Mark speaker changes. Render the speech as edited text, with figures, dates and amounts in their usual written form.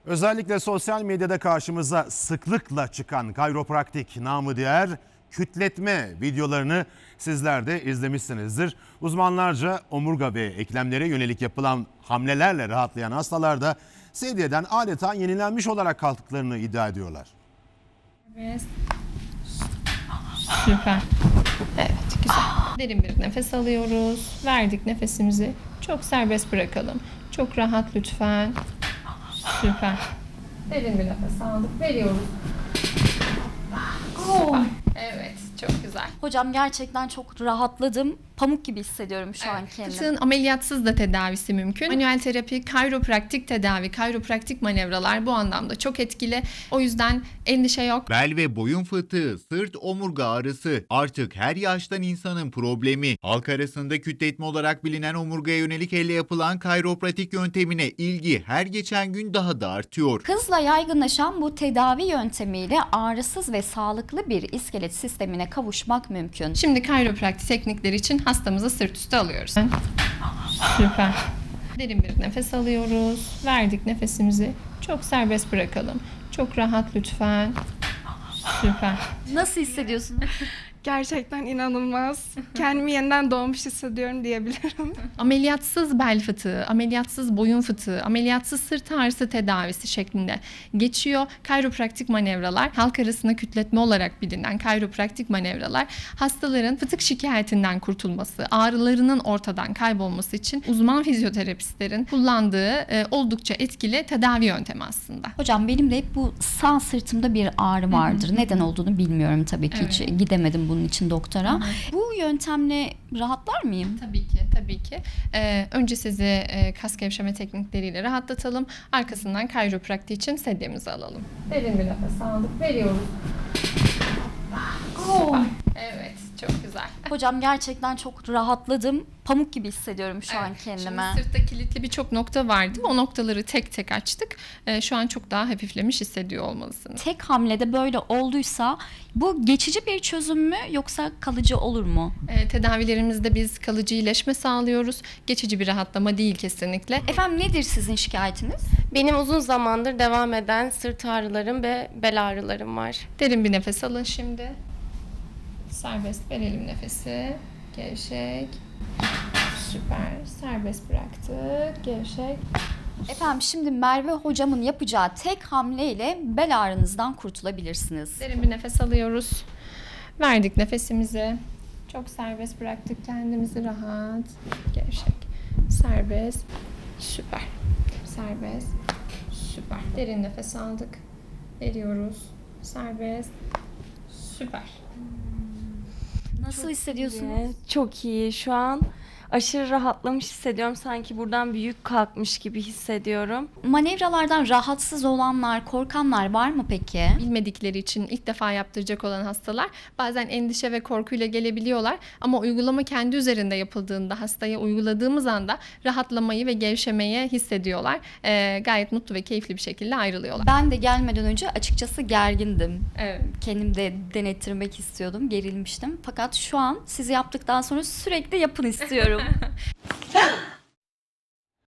Speaker 1: Özellikle sosyal medyada karşımıza sıklıkla çıkan kayropraktik namı diğer kütletme videolarını sizler de izlemişsinizdir. Uzmanlarca omurga ve eklemlere yönelik yapılan hamlelerle rahatlayan hastalar da sedyeden adeta yenilenmiş olarak kalktıklarını iddia ediyorlar.
Speaker 2: Evet. Süper. Evet, güzel. Derin bir nefes alıyoruz. Verdik nefesimizi. Çok serbest bırakalım. Çok rahat lütfen. Süper. Derin bir nefes aldık. Veriyoruz. Süper. Evet, çok güzel.
Speaker 3: Hocam gerçekten çok rahatladım. Pamuk gibi hissediyorum şu an kendimi.
Speaker 2: Fıtığın ameliyatsız da tedavisi mümkün. Manuel terapi, kayropraktik tedavi, kayropraktik manevralar bu anlamda çok etkili. O yüzden endişe yok.
Speaker 4: Bel ve boyun fıtığı, sırt omurga ağrısı artık her yaştan insanın problemi. Halk arasında kütletme olarak bilinen omurgaya yönelik elle yapılan kayropratik yöntemine ilgi her geçen gün daha da artıyor.
Speaker 3: Hızla yaygınlaşan bu tedavi yöntemiyle ağrısız ve sağlıklı bir iskelet sistemine kavuşmak mümkün.
Speaker 2: Şimdi kayropraktik teknikleri için hastamızı sırt üstü alıyoruz. Süper. Derin bir nefes alıyoruz. Verdik nefesimizi. Çok serbest bırakalım. Çok rahat lütfen. Süper.
Speaker 3: Nasıl hissediyorsun?
Speaker 5: Gerçekten inanılmaz. Kendimi yeniden doğmuş hissediyorum diyebilirim.
Speaker 2: Ameliyatsız bel fıtığı, ameliyatsız boyun fıtığı, ameliyatsız sırt ağrısı tedavisi şeklinde geçiyor. Kayropraktik manevralar, halk arasında kütletme olarak bilinen kayropraktik manevralar hastaların fıtık şikayetinden kurtulması, ağrılarının ortadan kaybolması için uzman fizyoterapistlerin kullandığı oldukça etkili tedavi yöntemi aslında.
Speaker 3: Hocam benim de hep bu sağ sırtımda bir ağrı vardır. Neden olduğunu bilmiyorum tabii ki. Hiç gidemedim bunun için doktora. Bu yöntemle rahatlar mıyım?
Speaker 2: Tabii ki, tabii ki. Önce sizi kas gevşeme teknikleriyle rahatlatalım. Arkasından kayropraktik için sedyemizi alalım. Derin bir nefes aldık. Veriyoruz. Süper. Evet, çok güzel.
Speaker 3: Hocam gerçekten çok rahatladım. Pamuk gibi hissediyorum şu an kendimi.
Speaker 2: Şimdi sırtta kilitli birçok nokta vardı. O noktaları tek tek açtık. Şu an çok daha hafiflemiş hissediyor olmalısınız.
Speaker 3: Tek hamlede böyle olduysa bu geçici bir çözüm mü yoksa kalıcı olur mu?
Speaker 2: Tedavilerimizde biz kalıcı iyileşme sağlıyoruz. Geçici bir rahatlama değil kesinlikle.
Speaker 3: Efendim nedir sizin şikayetiniz?
Speaker 6: Benim uzun zamandır devam eden sırt ağrılarım ve bel ağrılarım var.
Speaker 2: Derin bir nefes alın şimdi. Serbest verelim nefesi. Gevşek. Süper. Serbest bıraktık. Gevşek.
Speaker 3: Efendim şimdi Merve hocamın yapacağı tek hamleyle bel ağrınızdan kurtulabilirsiniz.
Speaker 2: Derin bir nefes alıyoruz. Verdik nefesimizi. Çok serbest bıraktık kendimizi rahat. Gevşek. Serbest. Süper. Serbest. Süper. Derin nefes aldık. Veriyoruz. Serbest. Süper.
Speaker 3: Nasıl hissediyorsunuz?
Speaker 6: Çok iyi. Şu an aşırı rahatlamış hissediyorum. Sanki buradan bir yük kalkmış gibi hissediyorum.
Speaker 3: Manevralardan rahatsız olanlar, korkanlar var mı peki?
Speaker 2: Bilmedikleri için ilk defa yaptıracak olan hastalar bazen endişe ve korkuyla gelebiliyorlar. Ama uygulama kendi üzerinde yapıldığında, hastaya uyguladığımız anda rahatlamayı ve gevşemeyi hissediyorlar. Gayet mutlu ve keyifli bir şekilde ayrılıyorlar.
Speaker 3: Ben de gelmeden önce açıkçası gergindim.
Speaker 2: Evet.
Speaker 3: Kendim de denettirmek istiyordum, gerilmiştim. Fakat şu an sizi yaptıktan sonra sürekli yapın istiyorum.